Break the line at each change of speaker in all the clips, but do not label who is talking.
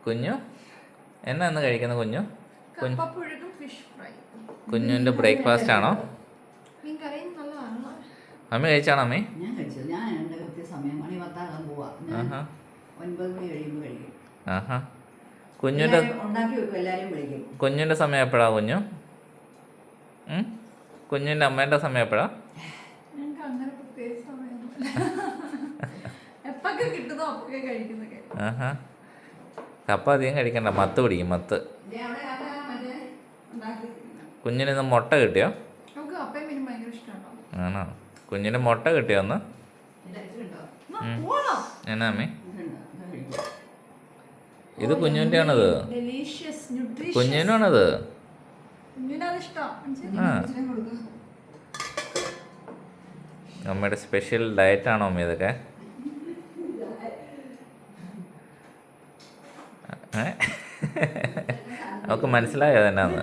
കുഞ്ഞു എന്നാ ഇന്ന് കഴിക്കുന്ന കുഞ്ഞു?
കപ്പപ്പുഴുക്കും ഫിഷ് ഫ്രൈ.
കുഞ്ഞുവിൻ്റെ ബ്രേക്ക്ഫാസ്റ്റ് ആണോ?
മീൻ കറിയും നല്ലതാണല്ലോ.
അമ്മ കഴിച്ചാണോ അമ്മേ?
ഞാൻ കഴിച്ചു. ഞാൻ എൻ്റെ കൃത്യസമയം മണി 10 പോവാ. ഞാൻ 9 മണി കഴിയുമ്പോൾ കഴിക്കും.
ആഹാ. കുഞ്ഞിൻ്റെ
ഉണ്ടാക്കി വെക്കും, എല്ലാവരെയും വിളിക്കും.
കുഞ്ഞിൻ്റെ സമയം എപ്പോഴാ കുഞ്ഞു? കുഞ്ഞിൻ്റെ അമ്മേൻ്റെ സമയം എപ്പോഴാ?
ഞങ്ങൾക്ക് അങ്ങനെ പ്രത്യേകിച്ച് സമയമൊന്നുമില്ല. എപ്പൊക്കെ കിട്ടുന്നോ അപ്പൊക്കെ കഴിക്കുന്നൊക്കെ.
ആഹാ. കപ്പ അധികം കഴിക്കണ്ട, മത്ത് പിടിക്കും, മത്ത്. കുഞ്ഞിന് ഇന്ന് മുട്ട കിട്ടിയോ?
നമുക്ക് കപ്പയും മീനും ഭയങ്കര ഇഷ്ടമാണോ?
ആണോ? കുഞ്ഞിന് മുട്ട കിട്ടിയോ ഒന്ന്? എന്നാ അമ്മേ? ഇത് കുഞ്ഞിൻ്റെ ആണത്, കുഞ്ഞിനാണത്. ആ, അമ്മയുടെ സ്പെഷ്യൽ ഡയറ്റാണോ അമ്മ ഇതൊക്കെ? നമുക്ക് മനസ്സിലായോ അതെന്നാന്ന്?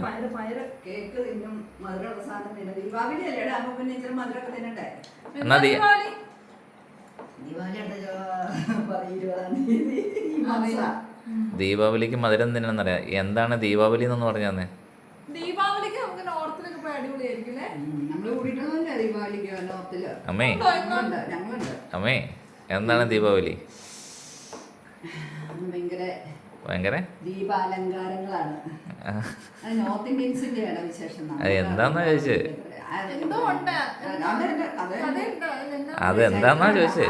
എന്നാ ദീപാവലിക്ക് മധുരം തിന്നണമെന്നറിയാം. എന്താണ് ദീപാവലി എന്ന് പറഞ്ഞാന്നേ?
ദീപാവലിക്ക് നമുക്ക് നോർത്തിലൊക്കെ പോയി അടിപൊളിയായിരിക്കും അല്ലേ?
അമ്മേ, അമ്മേ എന്താണ് ദീപാവലി? ഭയങ്കര
ദീപാലങ്കാരങ്ങളാണ്. നോർത്ത് ഇന്ത്യൻസിന്റെ വിശേഷം.
അത് എന്താന്നാ ചോദിച്ചേ?
എന്തോ ഉണ്ട്.
അതെന്താന്നാ ചോദിച്ചേ?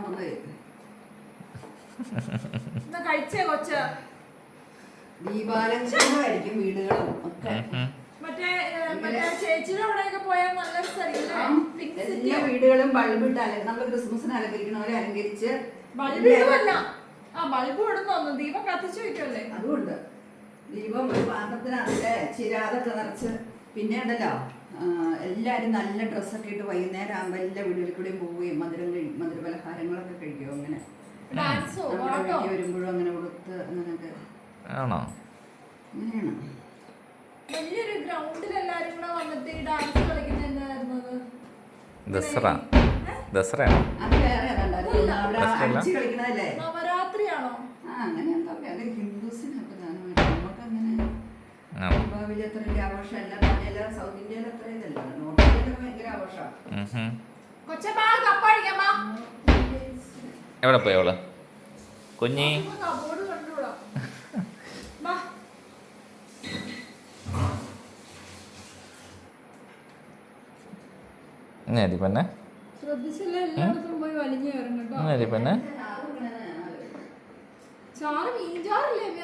കഴിച്ചേ കൊച്ച
ദീപാലങ്കാരമായിരിക്കും വീടുകളും ഒക്കെ.
മറ്റേ ചേച്ചിയുടെ അവിടെയൊക്കെ പോയാൽ നല്ല സ്ഥലം.
എല്ലാ വീടുകളും ബൾബിട്ട് നമ്മൾ ക്രിസ്മസിന് അലങ്കരിക്കണവരെ അലങ്കരിച്ച്.
ബൾബ് ഇടുവല്ല, ആ ബൾബ് ഇടുന്നു. ദീപം കത്തിച്ചു വെക്കല്ലേ?
അതുകൊണ്ട് ദീപം ഒരു പാത്രത്തിനകത്തെ ചിരാതൊക്കെ നിറച്ച്. പിന്നെ ഉണ്ടല്ലോ, എല്ലാവരും നല്ല ഡ്രസ്സൊക്കെ ഇട്ട് വൈകുന്നേരം ആകുമ്പോൾ എല്ലാ വീടുകളിൽ കൂടെയും പോവുകയും മധുര പലഹാരങ്ങളൊക്കെ കഴിക്കും. അങ്ങനെ നമ്മുടെ വീട്ടിൽ വരുമ്പോഴും അങ്ങനെ കൊടുത്ത് അങ്ങനെയൊക്കെ.
ആണോ?
അങ്ങനെയാണ്.
വലിയൊരു ഗ്രൗണ്ടിൽ എല്ലാരും കൂടെ വന്നിട്ട് ഈ ഡാൻസ് കളിക്കുന്ന എന്തായിരുന്നത്?
ദസറയാണോ?
അത് വേറെ അടിച്ച് കളിക്കണതല്ലേ?
നവരാത്രിയാണോ?
അങ്ങനെ എന്താ അത് ഹിന്ദുസിന് നമുക്ക് അങ്ങനെ ദീപാവലി അത്ര വലിയ ആഘോഷമല്ല. എല്ലാ സൗത്ത് ഇന്ത്യയിൽ അത്ര ഇതല്ല. നോർത്ത് ഇന്ത്യയിലൊക്കെ ഭയങ്കര ആഘോഷമാണ്.
എവിടെ പോയി അവള്? കുഞ്ഞി പിന്നെ
ശ്രദ്ധിച്ചില്ല, എല്ലായിടത്തും പോയി വലിഞ്ഞു കയറും കേട്ടോ.
പിന്നെ
ചാറ് മീൻചാറില്ലേ?